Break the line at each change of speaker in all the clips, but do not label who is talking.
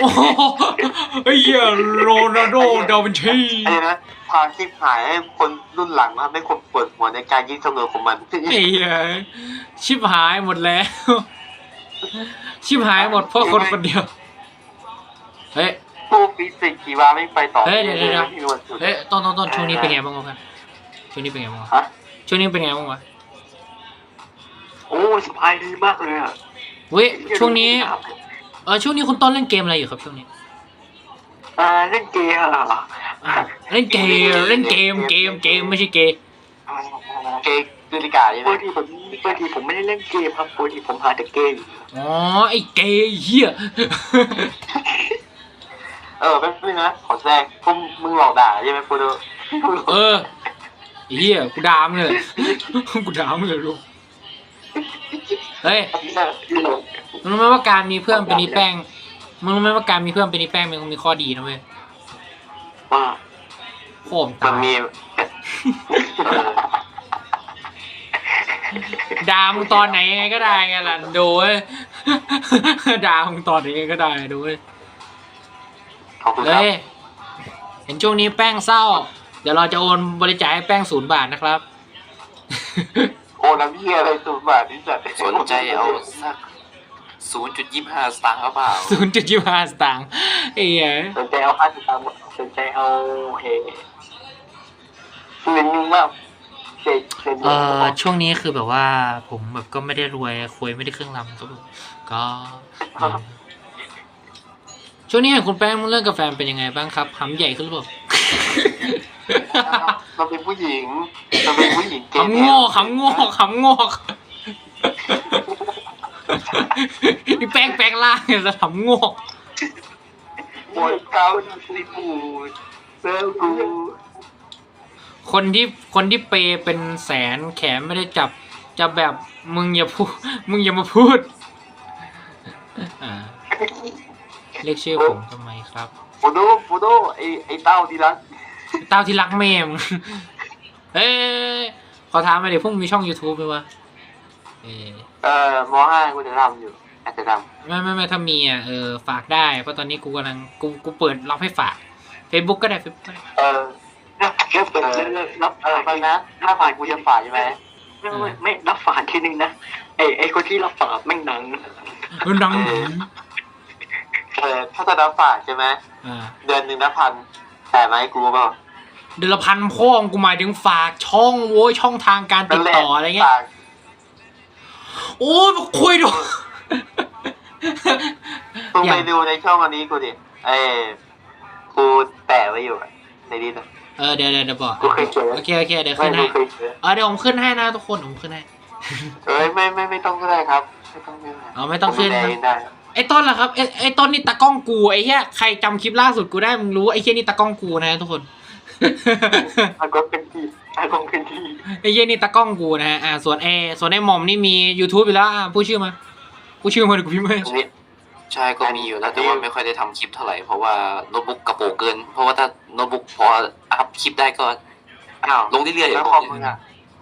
โอ้โหไอ้เหี้ยโรนัลโดดาวินชี
ไอ้นะพาชิบหายให้คนรุ่นหลังมาให้คนปวดหัวในการยิงเสมอของมัน
ไอ้เหี้ยชิบหายหมดแล้วชิบหายหมดเพราะคนคนเดียวเฮ้ย
ผู้ฟิสิกส์ชีวะไม่ไปต่อ
เฮ้ยเดี๋ยว
ที่วันสุด
เฮ้ยต้นช่วงนี้เป็นไงบ้างวะกันช่วงนี้เป็นไงบ้างวะ
ฮะ
ช่วงนี้เป็นไงบ้างวะ
โอ้สบายดีมากเลยอ่ะ
เว้ยช่วงนี้ช่วงนี้คุณต้นเล่นเกมอะไรอยู่ครับช่วงนี้
เล่นเกมเหรอ
เล่นเกมไม่ใช่เกย์
เกมดูดิกาใช่ไหมปกติผมไม่ได้เล่นเกมครับปกติผมหาแต่เกม
อ๋อไอ้เกย์เหี้ย
แป๊บนึงนะขอแทรกพวกมึงหลอกด่าใช่ไหมพูดดู
ไอ้เหี้ยกูด่ามึงเลยกูด่ามึงเลยลูกเฮ้ยมึงรู้ไหมว่าการมีเพื่อนเป็นอีแป้งมึงรู้ไหมว่าการมีเพื่อนเป็นอีแป้งมันมีข้อดีนะเว้ย
ว่า
โค้ง
มั
ตาน ย
มี
ด่ามึงตอนไหนยังไงก็ได้ไงล่ะโดยด่ามึงตอนไหนยังไงก็ได้โดย
ขอบคุณครับ
เฮ้ยเห็นช่วงนี้แป้งเศร้าเดี๋ยวเราจะโอนบริจาคให้แป้ง0 บาทนะครับ
โอ้น้ำเยี่ยอะไร0 บาทนี่จัด
สนใจเอาสัก0.25 สตางค์หรือเปล่า
0.25 สตางค์ไอ้เหี้ย
สนใจเอา50 ตังค์สนใจเอาเงินนึงมากเจ็ด
ช่วงนี้คือแบบว่าผมแบบก็ไม่ได้รวยคุยไม่ได้เครื่องรำก็แบบก็ช่วงนี้เห็นคุณแป้งเรื่องกาแฟเป็นยังไงบ้างครับหำใหญ่ขึ้นหรือเปล่า
เราเป็นผู้หญิงเราเป็นผู้หญิงเก
ขำโง่นี่แป้งล่างเนี่ยจะขำโง่
ปวดเกาสิปูเซลกู
คนที่เปย์เป็นแสนแขนไม่ได้จับจะแบบมึงอย่ามาพูดเรียกชื่อผมทำไมครับ
ปูโดไอเต้าดีรัก
เต้าที่รักแม่มึงเอ้ยขอถามมาเดี๋ยวพวกมึงมีช่อง YouTube ไหมวะ
ม.5 กูจะทำอยู่อาจจะทำ
ไม่ถ้ามีฝากได้เพราะตอนนี้กูกำลังกูเปิดรับให้ฝาก Facebook ก็ได้ Facebook ก็ได้
แค่เปิดรับไปนะถ้าผ่านกูจะฝ่าใช่ไหมไม่รับฝากทีนึงนะไอคนที่รับฝากแม่งดัง
ดัง
ถ้าจะรับฝากใช่ไหมเดือน1 1,000แต่ไหมกูเปล่า
เดือนละพันพ่อกูหมายถึงฝากช่องโว้ยช่องทางการติดต่ออะไรเงี้ยโอ้ยคุยดู
มึงไปดูในช่องอันนี้กูดิกูแปะไว้อยู่ในนี้นะ
เดี๋ยวบอก
กูเคยเจอ
โอเคเดี๋ยวขึ้นให้เดี๋ยวผมขึ้นให้นะทุกคนผมขึ้นให้
ไม่ต้องก็ได้ครับไม่ต้องขึ้น
ไม่ต้องขึ้น
ได้
ไอ้ต้นล่ะครับไอ้ต้นนี่ตากล้องกูไอ้เหี้ยใครจำคลิปล่าสุดกูได้มึงรู้ไอ้เหี้ยนี่ตากล้องกูนะทุกคน
อากงเป็นที่ไอ้
เหี้ยนี่ตากล้องกูนะฮะส่วนไอ้หม่อมนี่มี YouTube อยู่แล้วพูดชื่อมาเดี๋ยวกูพิมพ์ให้
ใช่ก็มีอยู่นะแต่ว่าไม่ค่อยได้ทำคลิปเท่าไหร่เพราะว่าโน้ตบุ๊กกระโปงเกิน เพราะว่าถ้าโน้ตบุ๊กพออัพคลิปได้ก็ลงเรื่อยๆ
แล้วคอมมึงอ่ะ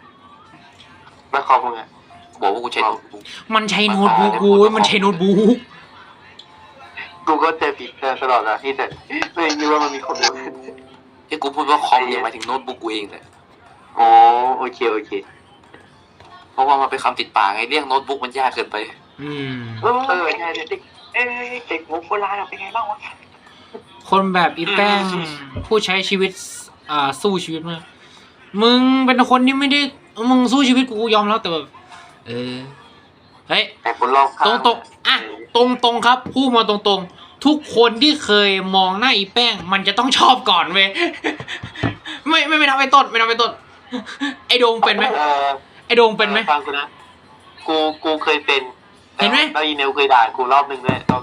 บอกว่ากูใช้โน้ตบุ๊ก
มันใช้โน้ตบุ๊กกูมันใช้โน้ตบุ๊ก
กูก็เจอผิดตลอดนะที่แต่ไม่คิดว่ามันมีคนรู้
ที่กูพูดว่าคอมเนี่ยหมายถึงโน้ตบุ๊กกูเองเลย
อ๋อโอเค
เพราะว่ามันเป็นคำติดปากไงเรียกโน้ตบุ๊กมันยากเกินไป
ใช่เด็กโบราณเป็นไงบ้างวะ
คนแบบอีแป้งผู้ใช้ชีวิตสู้ชีวิตมากมึงเป็นคนที่ไม่ได้มึงสู้ชีวิตกูยอมแล้วแต่แบบเฮ้ย
แต่คนรอบข้าง
ตรงครับพูดมาตรงทุกคนที่เคยมองหน้าอีแป้งมันจะต้องชอบก่อนเว้ย ไม่ทำไอ้ต้นไอ้โดงเป็นไหมไอ้โดงเป็นไหม
ฟังกูนะกูเคยเป็น
เห็นไหม
แล้วอีเนลเคยด่ากูรอบนึง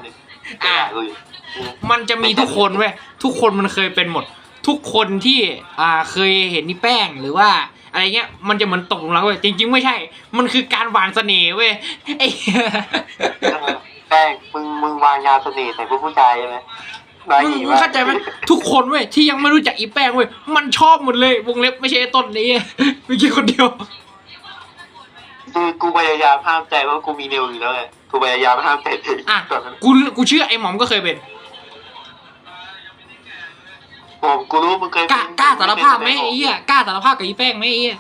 มันจะมีทุกคนเว้ยทุกคนมันเคยเป็นหมด ทุกคนที่เคยเห็นนี่แป้งหรือว่าอะไรเงี้ยมันจะเหมือนตกหลุมรักเว้ยจริงๆไม่ใช่มันคือการหวานเสน่ห์เว้ยไอ้
แป้งมึงวางยาเสน่ห์ใส่ผู้ชายใช่ไหม
มึงเข้าใจไหมทุกคนเว้ยที่ยังไม่รู้จักอีแป้งเว้ยมันชอบหมดเลยวงเล็บไม่ใช่ต้นนี้ไม่ใช่คนเดียว
คือกูพยายามห้ามใจว่ากูมีเนลอยู่แล้วไงกูพยายามห้ามใจตัวเอง
กูเชื่อไอ้หมอมก็เคยเป็น
ผมกูรู้มึงเคย
กล้าสารภาพไหมไอ้เหี้ยกล้าสารภาพกับอีแป้งไหมไอ้เหี้ย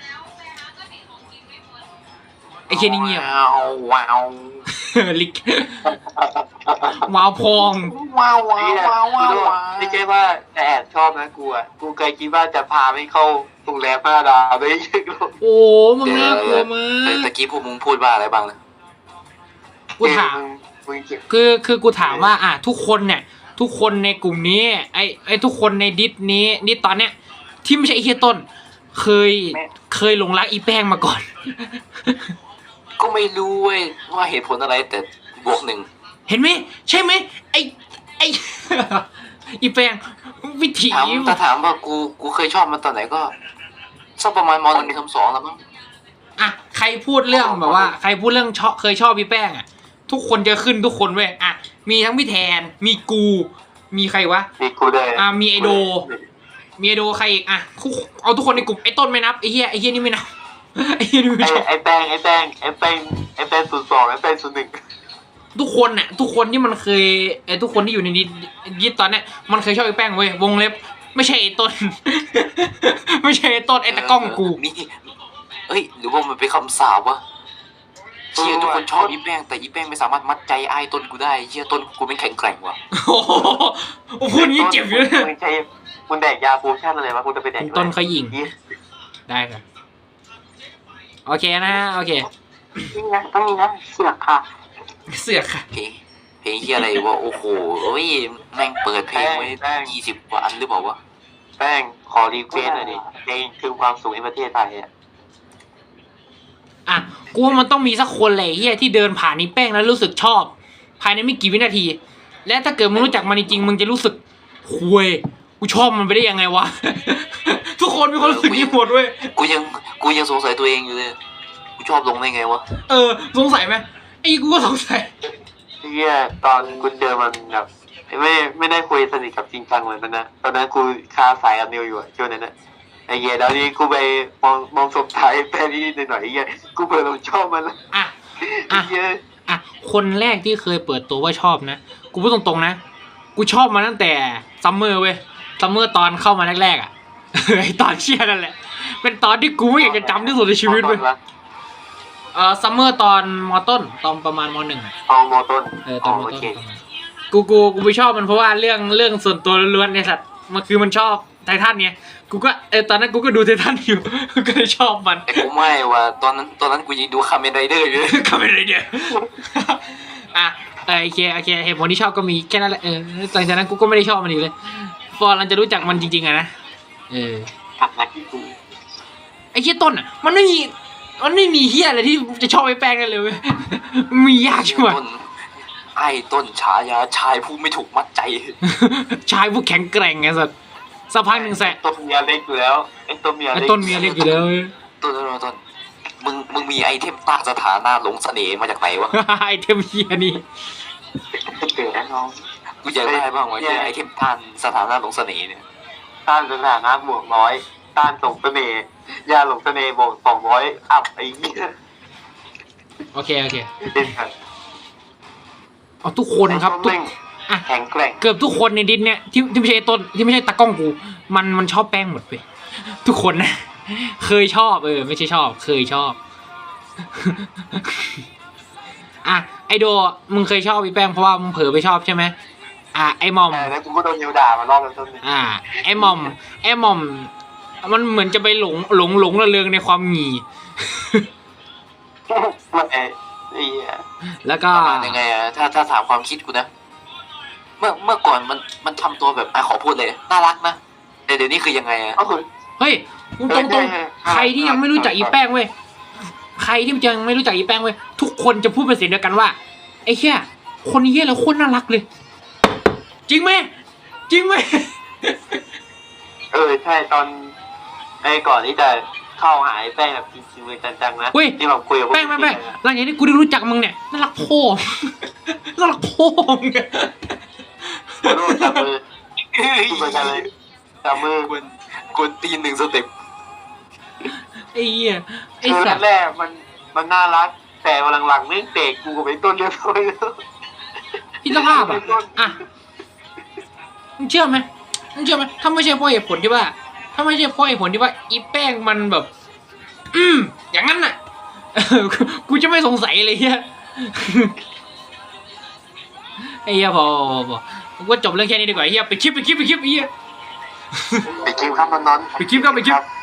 ไอ้เคนนี่เงียบ
ว้าว
ลิกว้าวพอง
ว้าวว้าวว้าวว้าวว้าว
ไม่ใช่ว่าแต่แอบชอบนะกูอ่ะกูเคยคิดว่าจะพาไม่เข้าโรงแรม5 ดาวไม่ใช่
โอ้มึงน่ากลัวมา
ตะกี้พวกมึงพูดว่าอะไรบ้างนะ
กูถามคือกูถามว่าทุกคนเนี่ยทุกคนในกลุ่มนี้ไอ้ทุกคนในดิสนี้ดิสตอนเนี้ยที่ไม่ใช่ไอ้เฮียต้นเคยหลงรักอีแป้งมาก่อน
ก็ไม่รู้เว้ยว่าเหตุผลอะไรแต่บวก 1
เห็นไหมใช่ไหมไอ้ อีแป้งวิถี
ถามว่ากูเคยชอบมันตอนไหนก็สักประมาณม.1 เทอม 2แล้วมั้ง
ใครพูดเรื่องแบบว่าใครพูดเรื่องเคยชอบพี่แป้งทุกคนจะขึ้นทุกคนเว้ยมีทั้งพี่แทนมีกูมีใครวะ
มีกูด้วย
มีไอโดมีไอโดใครอีกเอาทุกคนในกลุ่มไอ้ต้นไม่นับไอ้เหี้ยนี่ไม่นับ ไอ้เหี้ยนี่ไม่ชอบ
ไอ้แป้ง02ไอ้แป้ง01
ทุกคนทุกคนที่มันเคยทุกคนที่อยู่ในดิสตอนเนี้ยมันเคยชอบไอ้แป้งเว้ยวงเล็บไม่ใช่ไอ้ต้น ไม่ใช่ไอ้ต้นไอ้ตะกล้องกู
นี่เอ้ยหรือว่ามันเป็นคำสาปวะเชี่ยทุกคนชอบอีแป้งแต่อีแป้งไม่สามารถมัดใจไอ้ต้นกูได้เชี่ยต้นกูเป็นแข็งแกร่งว่ะ
โอ้โหพูดอย่างนี้เจ็บอยู่เลย
มึงใช้มึงแดกยาฟูชั่นอะไรวะกูจะไปแดก
ต้นเขายิงได้ครับโอเคนะโอเค
นี่นะต้องนี่นะเสือกค่ะ
เสือกค่ะ
เพลงเฮียอะไรวะโอ้โหเอ้ยแม่งเปิดเพลงไว้20 กว่าอันหรือเปล่าวะ
แป้งขอรีเควสหน่อยดิเพลงคือความสุขในประเทศไทย
กูว่ามันต้องมีสักคนแหละเฮียที่เดินผ่านนี่แป้งแล้วรู้สึกชอบ ภายในไม่กี่วินาที และถ้าเกิดมึงรู้จักมันจริงๆมึงจะรู้สึกคุยกูชอบมันไปได้ยังไงวะ ทุกคนมีความรู้สึกนี้หมดเว้ย
กูยังสงสัยตัวเองอยู่เลยกูชอบลงได้ไงวะ
สงสัยไหมไอ้กูก็สงสัย
ที่ตอนกูเจอมันแบบไม่ได้คุยสนิทกับจริงจังเหมือนกันนะตอนนั้นกูคาสายกับนิวอยู่ช่วงนั้นนะไอ้เหี้ยแล้วนี่กูไปมองศพท้ายแป้งนิดหน่อยไอ้เหี้ยกูเพิ่งชอบมันแล้วไอ้เหี้ย
คนแรกที่เคยเปิดตัวว่าชอบนะกูพูดตรงๆนะกูชอบมาตั้งแต่ซัมเมอร์เว้ยซัมเมอร์ตอนเข้ามาแรกๆไอตอนเชียนั่นแหละเป็นตอนที่กูไม่อยากจะจำที่สุดในชีวิตเว้ยซัมเมอร์ตอนม.ต้นตอนประมาณม.1
ม.ต้น
ตอนม.ต้นกูไปชอบมันเพราะว่าเรื่องส่วนตัวล้วนๆในสัตว์มันคือมันชอบไททันเนี่ยกูก็ตอนนั้นกูก็ดูไททันอยู่ ก็เลยชอบมัน
แต่กูไม่ว่ะตอนนั้นกูยังดูคาเมนไรเดอร์อยู่
คาเมนไรเดอร์โอเคเหตุผลที่ชอบก็มีแค่นั้นแหละหลังจากนั้นกูก็ไม่ได้ชอบมันอีกเลยพอเราจะรู้จักมันจริงๆนะ
กลับมาที่กู
ไอ้เหี้ยต้นมันไม่มีเหี้ยอะไรที่จะชอบไอ้แป้งกันเลยเว้ยมียากใช่ไหม
ไอ้ต้นฉายาชายผู้ไม่ถูกมัดใจ
ชายผู้แข็งแกร่งไงสักพักหนึ่งแสะ
ต้นเมียเล็กอยู่แล้วไอ้ต้นเมีย
ไอ้ต้นเมียเล็กอยู่แล้ว
ต้นมึงมีไอเทมต้านสถานะหลงเสน่ห์มาจากไหนวะ
ไอเทมเหี้ยนี่
เกิดนะน้อง
กูอยากได้บ้างวะไอเทมต้านสถานะหลงเสน่ห์เนี่ย
ต้านสถานะบวก100ต้านส่งเสน่ห์ยาหลงเสน่ห์บวก200อัพไอ้เหี้ย
โอเค
เด่นครับ
เอาทุกคนครับ
แข็งแกร่ง
เกือบทุกคนในดิสเนี่ยที่ไม่ใช่ต้นที่ไม่ใช่ตากล้องกูมันชอบแป้งหมดไปทุกคนนะเคยชอบไม่ใช่ชอบเคยชอบ ไอโดมึงเคยชอบพี่แป้งเพราะว่ามึงเผลอไปชอบใช่ไหมไอมอม
แล้วกูก็โดนนิวด่ามารอบแล้วต้น
ไอมอมมันเหมือนจะไปหลงระเริงในความหงี่ แล้วก็
ยังไงถ้าถามความคิดกูนะเมื่อก่อนมันทำตัวแบบขอพูดเลยน่ารักนะแต่เดี๋ยวนี้คือยังไง
เฮ้ยตรงใครที่ยังไม่รู้จักอีแป้งเว้ยใครที่ยังไม่รู้จักอีแป้งเว้ยทุกคนจะพูดเป็นเสียงเดียวกันว่าไอ้แค่คนนี้แล้วโคตรน่ารักเลยจริงไหม
ใช่ตอนก่อนที่จะเข้าหายแป้งแบบจริงๆเลยจังๆนะที่แบบคุยกับ
แป้งหลังจากนี้กูได้รู้จักมึงเนี่ยน่ารักโพ่น่ารักโพ่
จับมือเหมือนกันเลยจับมือก
วนตีน1 สเต็ป
ไอ้เหี้ยไอ้
สัตว์แรกมันน่ารักแต่หลังๆไม่เตะกูกับไอ้ต้นเรียบร้อยแล้ว
พี่สภาพมึงเชื่อไหมมึงเชื่อไหมถ้าไม่ใช่เพราะเหตุผลที่ว่าอีแป้งมันแบบ อย่างนั้นน่ะ กูจะไม่สงสัยเลยเฮีย ไอ้เฮียพอกูว่าจบเรื่องแค่นี้ดีกว่าเฮียไปคลิปเฮีย
ไปกินข้าวมันนอน
ไปคลิป